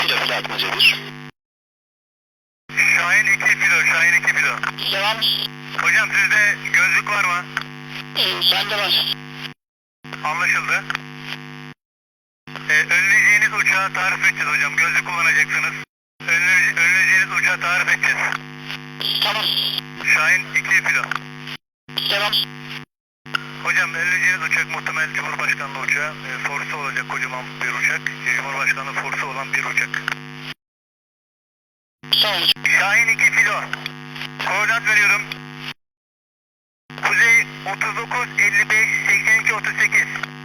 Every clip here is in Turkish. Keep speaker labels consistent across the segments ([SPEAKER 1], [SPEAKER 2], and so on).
[SPEAKER 1] kilo filo atmaca bir.
[SPEAKER 2] Şahin 2 kilo, Şahin 2 kilo.
[SPEAKER 1] Devam.
[SPEAKER 2] Hocam sizde gözlük var mı?
[SPEAKER 1] Bende var.
[SPEAKER 2] Anlaşıldı. Önleyeceğiniz uçağı tarif edeceğiz hocam. Gözlük kullanacaksınız. Önleyeceğiniz uçağı tarif edeceğiz.
[SPEAKER 1] Tamam.
[SPEAKER 2] Şahin 2 kilo.
[SPEAKER 1] Devam.
[SPEAKER 2] Hocam önleyeceğiniz uçak muhtemel Cumhurbaşkanlığı uçağı. Forsu olacak kocaman bir uçak. Cumhurbaşkanlığı forsu olan bir uçak.
[SPEAKER 1] Sağ olun.
[SPEAKER 2] Şahin 2 kilo. Koordinat veriyorum. Kuzey 39 55 82 38.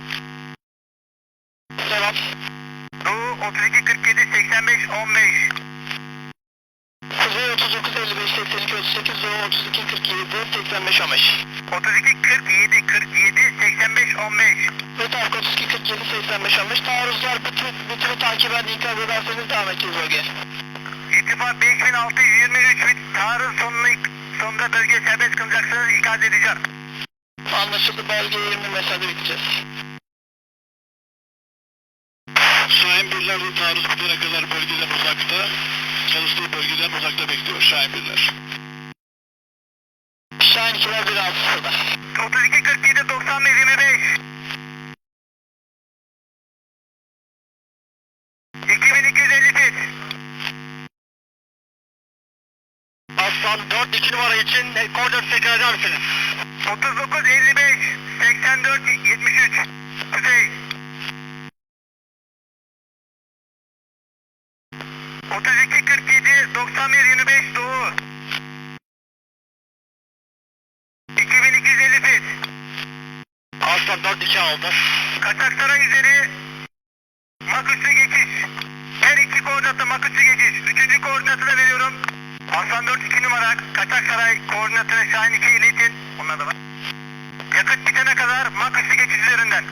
[SPEAKER 1] Devam.
[SPEAKER 2] Doğu 32 47 85 15.
[SPEAKER 1] Kuzey 39 55 82 38, Doğu 32 47 85 15.
[SPEAKER 2] 32 47 47 85 15.
[SPEAKER 1] Ve Tarık 32 47 85 15. Taarruzlar bütünü takiben ikaz ederseniz devam edeceğiz bölgeye.
[SPEAKER 2] İrtifa 5623 bit. Taarruz sonunda bölgeye serbest kılacaksınız. İkaz edeceğim.
[SPEAKER 1] Anlaşıldı, bölgeye 20 mesafede biteceğiz.
[SPEAKER 3] Şahin birler de taarruz bitene kadar bölgeden uzakta, çalıştığı bölgeden uzakta bekliyor Şahin birler.
[SPEAKER 1] Şahin 2'ler 1.6'da.
[SPEAKER 2] 32 47 95 25. 2250 fit.
[SPEAKER 1] Aslan 4 2 numara için koordinatı tekrar eder misiniz?
[SPEAKER 2] 39 55 84 73. Kuzey. 32 47 91 25 Doğu. 2250 fit.
[SPEAKER 1] Aslan 4 2 aldı.
[SPEAKER 2] Kaçaksaray üzeri Maküsü geçiş. Her iki koordinatı Maküsü geçiş. Üçüncü koordinatı da veriyorum. Aslan 4 2 numara Kaçaksaray koordinatını Şahin 2'ye iletin. Onlar da var. Yakıt bitene kadar Maküsü geçiş üzerinden.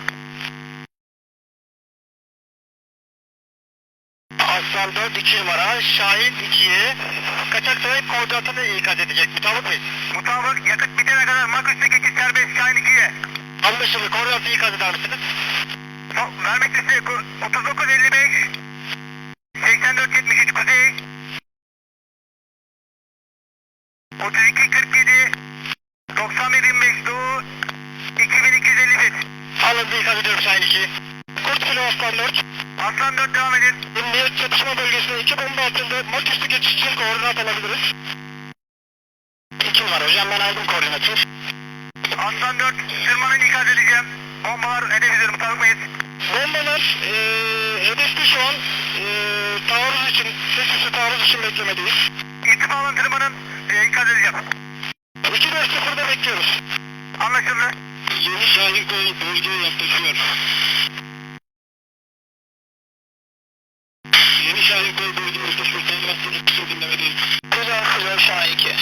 [SPEAKER 1] Aslan 4 2 numara Şahin 2'ye Kaçaksaray koordinatını ikaz edecek. Mutabık mıyız?
[SPEAKER 2] Mutabık yakıt bitene kadar Maküsü geçiş serbest Şahin 2'ye.
[SPEAKER 1] Anlaşıldı. Koordinatı ikaz eder misiniz?
[SPEAKER 2] Vermek size 39 55 84 73 Kuzey. 32 47 91 25 Doğu. 2250 fit.
[SPEAKER 1] Alındı, ikaz ediyorum Şahin 2. Kurt Filo Aslan 4.
[SPEAKER 2] Aslan 4 devam edin.
[SPEAKER 1] Emniyet çatışma bölgesine 2 bomba altında Maküsü geçiş için koordinat alabiliriz. 2 numara hocam, ben aldım koordinatı.
[SPEAKER 2] Aslan 4 tırmanın ikaz edeceğim. Bombalar hedef üzeri mutabık mıyız?
[SPEAKER 1] Bombalar hedefte şu an taarruz için, ses üstü taarruz için beklemedeyiz.
[SPEAKER 2] İrtifa alın tırmanın ikaz edeceğim.
[SPEAKER 1] 2-4-0'da bekliyoruz.
[SPEAKER 2] Anlaşıldı.
[SPEAKER 3] Yeni Şahin kol bölgeye yaklaşıyor. Yeni Şahin kol bölgeye yaklaşıyor. Tanımasını kısa dinlemedeyiz.
[SPEAKER 1] Güzel Şahin 2.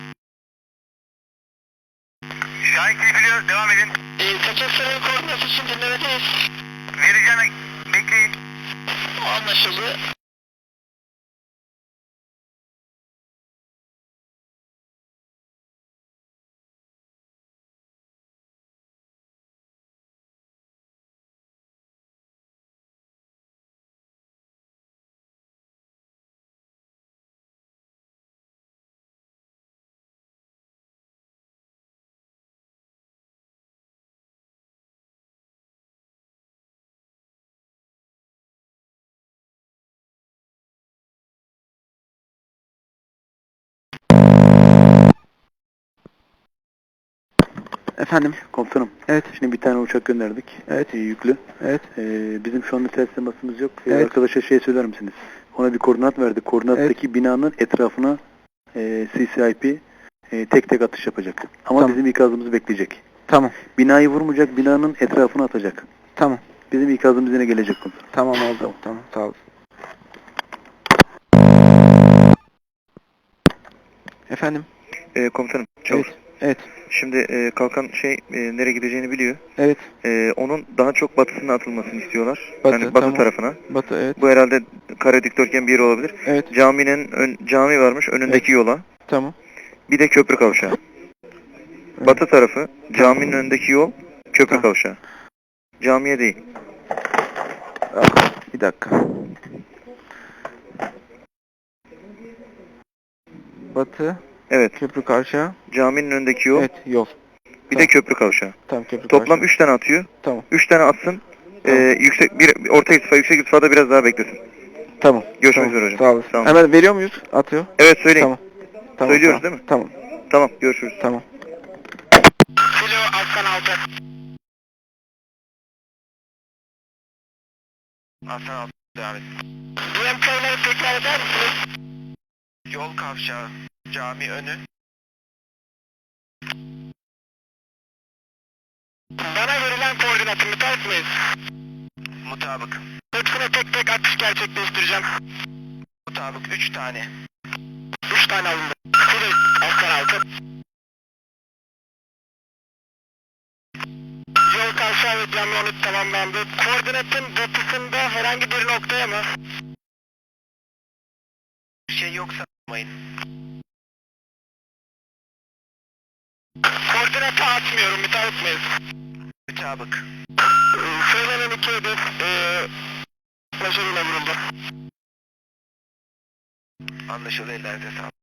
[SPEAKER 2] Şahin 2 biliyor. Devam edin.
[SPEAKER 1] Kaçaksaray koordinatı için dinlemedeyiz.
[SPEAKER 2] Vereceğim. Bekleyin.
[SPEAKER 1] Anlaşıldı.
[SPEAKER 4] Efendim?
[SPEAKER 5] Komutanım.
[SPEAKER 4] Evet.
[SPEAKER 5] Şimdi bir tane uçak gönderdik.
[SPEAKER 4] Evet.
[SPEAKER 5] Yüklü.
[SPEAKER 4] Evet.
[SPEAKER 5] Bizim şu anda ters temasımız yok.
[SPEAKER 4] Evet.
[SPEAKER 5] Arkadaşa şey söyler misiniz? Ona bir koordinat verdik. Koordinattaki binanın etrafına CCIP tek tek atış yapacak. Ama
[SPEAKER 4] Tamam.
[SPEAKER 5] bizim ikazımızı bekleyecek.
[SPEAKER 4] Tamam.
[SPEAKER 5] Binayı vurmayacak, binanın etrafına atacak.
[SPEAKER 4] Tamam.
[SPEAKER 5] Bizim ikazımız yine gelecek komutanım.
[SPEAKER 4] Tamam oldu. Tamam. Sağ ol. Efendim?
[SPEAKER 5] Komutanım.
[SPEAKER 4] Evet. Evet.
[SPEAKER 5] Şimdi kalkan nereye gideceğini biliyor.
[SPEAKER 4] Evet.
[SPEAKER 5] Onun daha çok batısına atılmasını istiyorlar.
[SPEAKER 4] Batı,
[SPEAKER 5] Yani batı
[SPEAKER 4] tamam.
[SPEAKER 5] tarafına.
[SPEAKER 4] Batı, evet.
[SPEAKER 5] Bu herhalde kare dikdörtgen bir yer olabilir.
[SPEAKER 4] Evet.
[SPEAKER 5] Cami varmış önündeki yola.
[SPEAKER 4] Tamam.
[SPEAKER 5] Bir de köprü kavşağı.
[SPEAKER 4] Evet.
[SPEAKER 5] Batı tarafı, caminin önündeki yol, köprü
[SPEAKER 4] Tamam.
[SPEAKER 5] kavşağı. Camiye değil.
[SPEAKER 4] Ah, bir dakika. batı,
[SPEAKER 5] Evet.
[SPEAKER 4] köprü kavşağı.
[SPEAKER 5] Caminin önündeki yol.
[SPEAKER 4] Evet, yol.
[SPEAKER 5] Bir de köprü kavşağı.
[SPEAKER 4] Tamam, köprü
[SPEAKER 5] Toplam
[SPEAKER 4] kavşağı.
[SPEAKER 5] 3 tane atıyor.
[SPEAKER 4] Tamam.
[SPEAKER 5] 3 tane atsın.
[SPEAKER 4] Tamam.
[SPEAKER 5] Orta irtifa, yüksek irtifada biraz daha beklesin.
[SPEAKER 4] Tamam.
[SPEAKER 5] Görüşmek
[SPEAKER 4] Tamam.
[SPEAKER 5] üzere hocam.
[SPEAKER 4] Sağ olasın.
[SPEAKER 5] Tamam.
[SPEAKER 4] Hemen veriyor muyuz? Atıyor.
[SPEAKER 5] Evet söyleyin.
[SPEAKER 4] Tamam. Tamam.
[SPEAKER 5] Söylüyoruz
[SPEAKER 4] tamam.
[SPEAKER 5] değil mi?
[SPEAKER 4] Tamam.
[SPEAKER 5] Tamam görüşürüz.
[SPEAKER 4] Tamam.
[SPEAKER 1] Kilo Aslan 6.
[SPEAKER 2] Aslan 6 devam et.
[SPEAKER 1] DMK'ları tekrar eder misiniz?
[SPEAKER 2] Yol kavşağı, cami önü.
[SPEAKER 1] Bana verilen koordinatı müsait miyiz?
[SPEAKER 2] Mutabık.
[SPEAKER 1] Hepsine tek tek atış gerçekleştireceğim.
[SPEAKER 2] Mutabık 3 tane.
[SPEAKER 1] 3 tane alındı. Kilo Aslan 6. Yol kavşağı ve cami önü tamamlandı. Koordinatın batısında herhangi bir noktaya mı?
[SPEAKER 2] Bir şey yoksa a**mayın.
[SPEAKER 1] Koordinatı atmıyorum, müsait miyiz?
[SPEAKER 2] Mutabık.
[SPEAKER 1] Söylenen iki hedef başarıyla vuruldu.
[SPEAKER 2] Anlaşıldı, ellerinize sağlık.